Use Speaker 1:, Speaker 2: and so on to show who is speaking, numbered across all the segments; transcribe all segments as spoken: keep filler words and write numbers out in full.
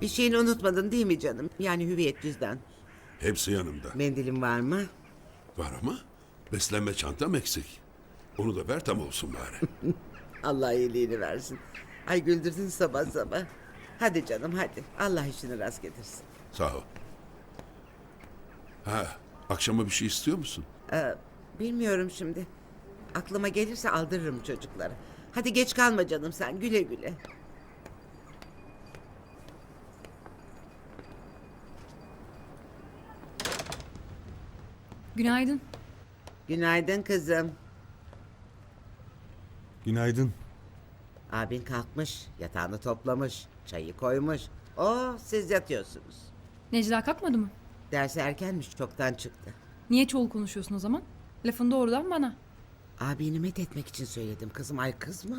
Speaker 1: Bir şeyini unutmadın değil mi canım? Yani hüviyet cüzdan.
Speaker 2: Hepsi yanımda.
Speaker 1: Mendilin var mı?
Speaker 2: Var ama beslenme çantam eksik. Onu da ver tam olsun bari.
Speaker 1: Allah iyiliğini versin. Ay güldürdün sabah sabah. Hadi canım hadi. Allah işini rast getirsin.
Speaker 2: Sağ ol. Ha, akşama bir şey istiyor musun?
Speaker 1: Ee, bilmiyorum şimdi. Aklıma gelirse aldırırım çocuklara. Hadi geç kalma canım sen. Güle güle.
Speaker 3: Günaydın.
Speaker 1: Günaydın kızım.
Speaker 4: Günaydın.
Speaker 1: Abin kalkmış. Yatağını toplamış. Çayı koymuş. Oo, siz yatıyorsunuz.
Speaker 3: Necla kalkmadı mı?
Speaker 1: Dersi erkenmiş. Çoktan çıktı.
Speaker 3: Niye çoğul konuşuyorsun o zaman? Lafın doğrudan bana.
Speaker 1: Abini met etmek için söyledim kızım. Ay kızma.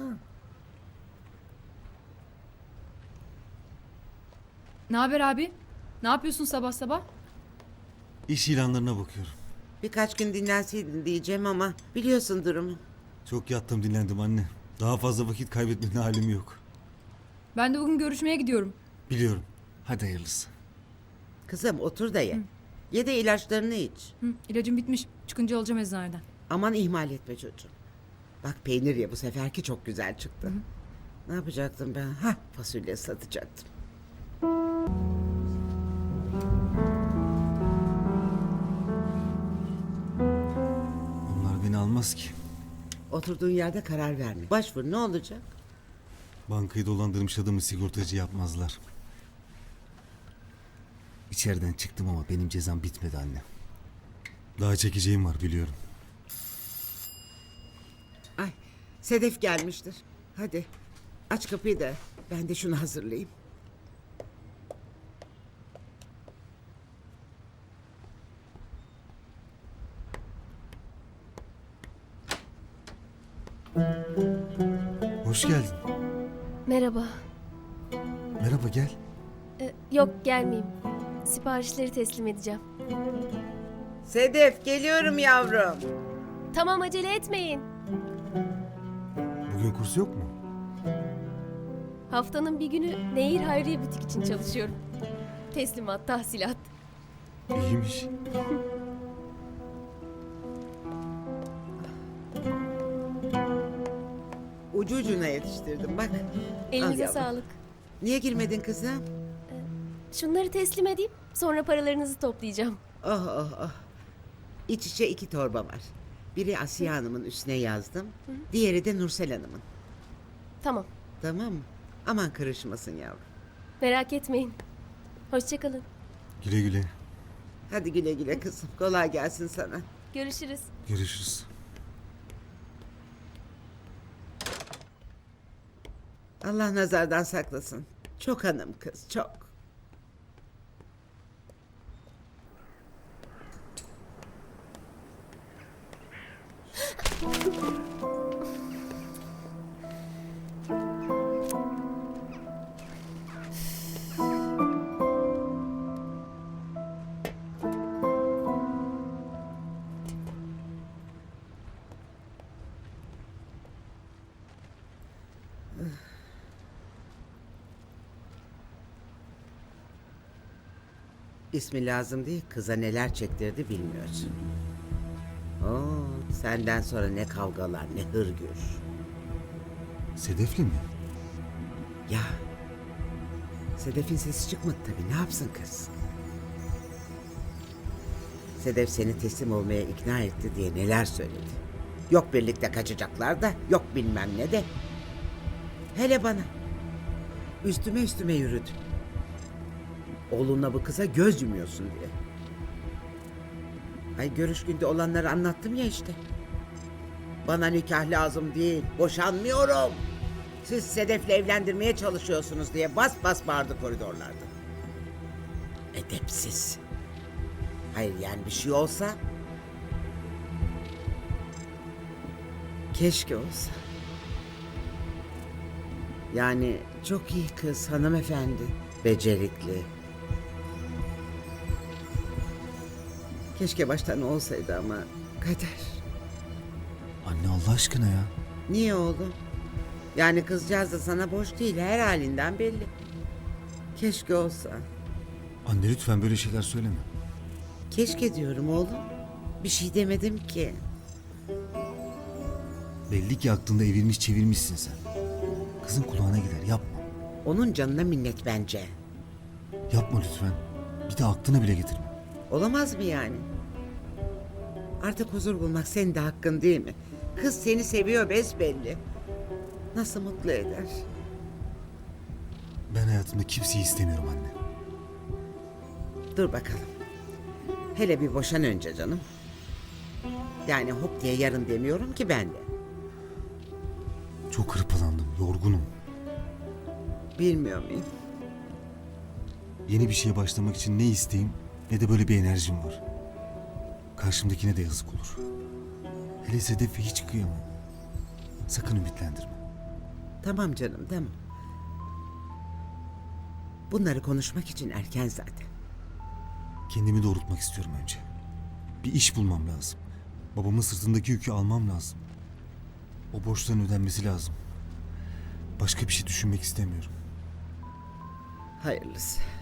Speaker 3: Ne haber abi? Ne yapıyorsun sabah sabah?
Speaker 4: İş ilanlarına bakıyorum.
Speaker 1: Birkaç gün dinlenseydin diyeceğim ama biliyorsun durumu.
Speaker 4: Çok yattım dinlendim anne. Daha fazla vakit kaybetmenin halim yok.
Speaker 3: Ben de bugün görüşmeye gidiyorum.
Speaker 4: Biliyorum. Hadi hayırlısı.
Speaker 1: Kızım otur da ye. Ye de ilaçlarını iç.
Speaker 3: Hı, ilacım bitmiş. Çıkınca alacağım eczaneden.
Speaker 1: Aman ihmal etme çocuğum. Bak peynir ye bu seferki çok güzel çıktı. Ne yapacaktım ben? Hah fasulye satacaktım.
Speaker 4: Onlar beni almaz ki.
Speaker 1: Oturduğun yerde karar verme. Başvur ne olacak?
Speaker 4: Bankayı dolandırmış adamı sigortacı yapmazlar. İçeriden çıktım ama benim cezam bitmedi anne. Daha çekeceğim var biliyorum.
Speaker 1: Ay Sedef gelmiştir. Hadi aç kapıyı da ben de şunu hazırlayayım.
Speaker 4: Hoş geldin.
Speaker 5: Merhaba.
Speaker 4: Merhaba gel.
Speaker 5: Ee, yok gelmeyeyim. Siparişleri teslim edeceğim.
Speaker 1: Sedef geliyorum yavrum.
Speaker 5: Tamam acele etmeyin.
Speaker 4: Bugün kurs yok mu?
Speaker 5: Haftanın bir günü Nehir Hayriye Butik için çalışıyorum. Teslimat, tahsilat.
Speaker 4: İyiymiş.
Speaker 1: Ucu ucuna yetiştirdim bak. Al
Speaker 5: Elinize
Speaker 1: yavrum.
Speaker 5: sağlık.
Speaker 1: Niye girmedin kızım?
Speaker 5: Şunları teslim edeyim. Sonra paralarınızı toplayacağım.
Speaker 1: Oh oh oh. İç içe iki torba var. Biri Asiye Hanım'ın üstüne yazdım. Diğeri de Nursel Hanım'ın.
Speaker 5: Tamam.
Speaker 1: Tamam mı? Aman karışmasın yavrum.
Speaker 5: Merak etmeyin. Hoşçakalın.
Speaker 4: Güle güle.
Speaker 1: Hadi güle güle kızım. Kolay gelsin sana.
Speaker 5: Görüşürüz.
Speaker 4: Görüşürüz.
Speaker 1: Allah nazardan saklasın. Çok hanım kız, çok. İsmi lazım değil, kıza neler çektirdi bilmiyorsun. Oo, senden sonra ne kavgalar, ne hırgür.
Speaker 4: Sedefli mi?
Speaker 1: Ya, Sedef'in sesi çıkmadı tabii, ne yapsın kız? Sedef seni teslim olmaya ikna etti diye neler söyledi. Yok birlikte kaçacaklar da, yok bilmem ne de. Hele bana. Üstüme üstüme yürüdü. Oğlunla bu kıza göz yumuyorsun diye. Ay görüş günde olanları anlattım ya işte. Bana nikah lazım değil, boşanmıyorum. Siz Sedef'le evlendirmeye çalışıyorsunuz diye bas bas bağırdı koridorlarda. Edepsiz. Hayır yani bir şey olsa... Keşke olsa. Yani çok iyi kız, hanımefendi. Becerikli. Keşke baştan olsaydı ama kader.
Speaker 4: Anne Allah aşkına ya.
Speaker 1: Niye oğlum? Yani kızcağız da sana boş değil, her halinden belli. Keşke olsa.
Speaker 4: Anne lütfen böyle şeyler söyleme.
Speaker 1: Keşke diyorum oğlum. Bir şey demedim ki.
Speaker 4: Belli ki aklında evirmiş çevirmişsin sen. Kızın kulağına gider, yapma.
Speaker 1: Onun canına minnet bence.
Speaker 4: Yapma lütfen. Bir de aklına bile getirme.
Speaker 1: Olamaz mı yani? Artık huzur bulmak senin de hakkın değil mi? Kız seni seviyor besbelli. Nasıl mutlu eder?
Speaker 4: Ben hayatımda kimseyi istemiyorum anne.
Speaker 1: Dur bakalım. Hele bir boşan önce canım. Yani hop diye yarın demiyorum ki ben de.
Speaker 4: Çok hırpalandım, yorgunum.
Speaker 1: Bilmiyor muyum?
Speaker 4: Yeni bir şeye başlamak için ne isteğim ne de böyle bir enerjim var. Karşımdakine de yazık olur. Hele Sedef'e hiç kıyamam. Sakın ümitlendirme.
Speaker 1: Tamam canım tamam. Bunları konuşmak için erken zaten.
Speaker 4: Kendimi doğrultmak istiyorum önce. Bir iş bulmam lazım. Babamın sırtındaki yükü almam lazım. O borçların ödenmesi lazım. Başka bir şey düşünmek istemiyorum.
Speaker 1: Hayırlısı.